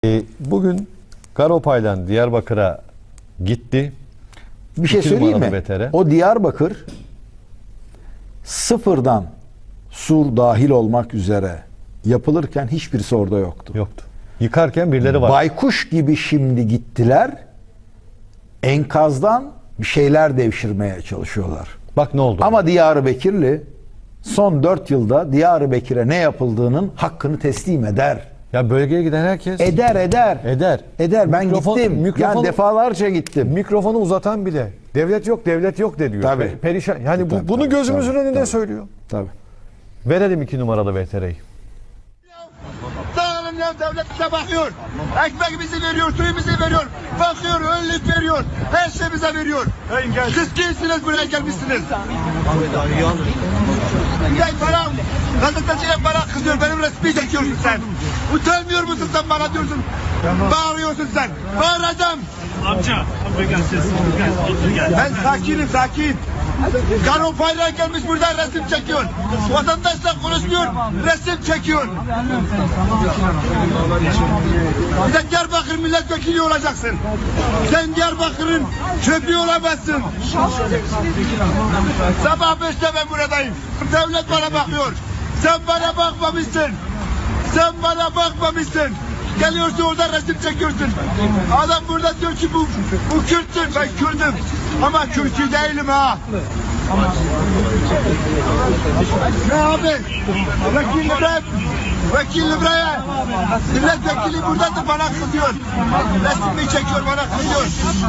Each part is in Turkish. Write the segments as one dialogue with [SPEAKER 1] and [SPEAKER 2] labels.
[SPEAKER 1] Bugün Garopaylan Diyarbakır'a gitti.
[SPEAKER 2] Bir şey söyleyeyim mi?
[SPEAKER 1] Betere.
[SPEAKER 2] O Diyarbakır sıfırdan sur dahil olmak üzere yapılırken hiçbirisi orada yoktu.
[SPEAKER 1] Yoktu. Yıkarken birileri var.
[SPEAKER 2] Baykuş gibi şimdi gittiler. Enkazdan bir şeyler devşirmeye çalışıyorlar.
[SPEAKER 1] Bak ne oldu.
[SPEAKER 2] Ama Diyarbakırlı son 4 yılda Diyarbakır'a ne yapıldığının hakkını teslim eder.
[SPEAKER 1] Ya bölgeye giden herkes
[SPEAKER 2] Eder.
[SPEAKER 1] eder.
[SPEAKER 2] Ben gittim. Yani defalarca gittim.
[SPEAKER 1] Mikrofonu uzatan bile devlet yok de diyor.
[SPEAKER 2] Tabii.
[SPEAKER 1] Perişan. Yani
[SPEAKER 2] Tabii,
[SPEAKER 1] bunu gözümüzün önünde
[SPEAKER 2] tabii.
[SPEAKER 1] söylüyor.
[SPEAKER 2] Tabii.
[SPEAKER 1] Verelim 2 numaralı VTR'yi.
[SPEAKER 3] Sağ olun ya, devlet bize bakıyor. Ekmeğimizi veriyor, suyumuzu veriyor. Bakıyor, önlük veriyor. Her şey bize veriyor. Siz kimsiniz, buraya gelmişsiniz? Gel bana, gazeteciye bana kızıyor, benim resmi çekiyorsun sen. Utanmıyor musun sen bana diyorsun? Bağırıyorsun sen. Bağıracağım.
[SPEAKER 4] Amca gel ses. Gel.
[SPEAKER 3] Ben sakin. Garopaylan gelmiş burada resim çekiyor. Vatandaşla konuşmuyor, resim çekiyor. Bir de Diyarbakır milletvekili olacaksın. Sen Diyarbakır'ın çöplüğü olamazsın. Sabah 5'te ben buradayım. Devlet bana bakıyor. Sen bana bakmamışsın. Geliyorsun orada resim çekiyorsun. Adam burada diyor ki bu Kürt'tür. Ben Kürt'üm. Ama Kürt'ü değilim ha. Ne abi? Vekil buraya. Milletvekili buradadır, bana kızıyor. Resmi çekiyor, bana kızıyor.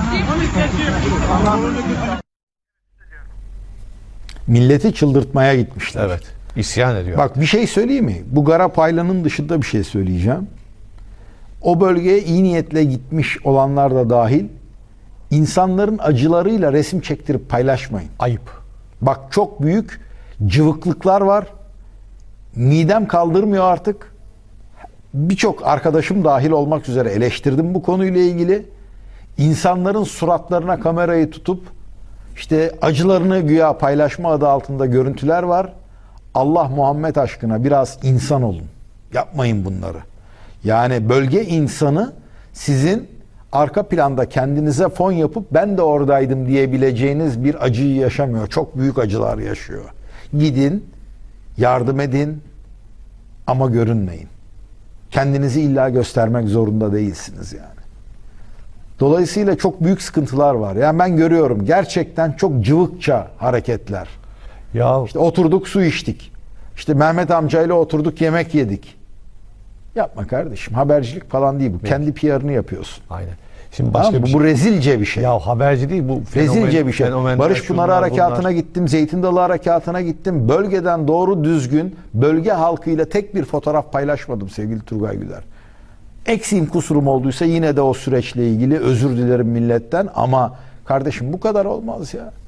[SPEAKER 2] Milleti çıldırtmaya gitmişler.
[SPEAKER 1] Evet. İsyan ediyor.
[SPEAKER 2] Bak bir şey söyleyeyim mi? Bu Garopaylan'ın dışında bir şey söyleyeceğim. O bölgeye iyi niyetle gitmiş olanlar da dahil insanların acılarıyla resim çektirip paylaşmayın.
[SPEAKER 1] Ayıp.
[SPEAKER 2] Bak çok büyük cıvıklıklar var. Midem kaldırmıyor artık. Birçok arkadaşım dahil olmak üzere eleştirdim bu konuyla ilgili. İnsanların suratlarına kamerayı tutup işte acılarını güya paylaşma adı altında görüntüler var. Allah Muhammed aşkına biraz insan olun. Yapmayın bunları. Yani bölge insanı sizin arka planda kendinize fon yapıp ben de oradaydım diyebileceğiniz bir acıyı yaşamıyor. Çok büyük acılar yaşıyor. Gidin, yardım edin ama görünmeyin. Kendinizi illa göstermek zorunda değilsiniz yani. Dolayısıyla çok büyük sıkıntılar var. Yani ben görüyorum gerçekten çok cıvıkça hareketler.
[SPEAKER 1] Ya
[SPEAKER 2] İşte oturduk su içtik. İşte Mehmet amcayla oturduk yemek yedik. Yapma kardeşim. Habercilik falan değil bu. Evet. Kendi PR'ını yapıyorsun.
[SPEAKER 1] aynen. Şimdi başka
[SPEAKER 2] bu rezilce bir şey.
[SPEAKER 1] Ya haberci değil bu.
[SPEAKER 2] Rezilce bir şey. Barış Pınarı Harekatı'na gittim. Zeytin Dalı Harekatı'na gittim. Bölgeden doğru düzgün bölge halkıyla tek bir fotoğraf paylaşmadım sevgili Turgay Güler. Eksiğim kusurum olduysa yine de o süreçle ilgili özür dilerim milletten ama kardeşim bu kadar olmaz ya.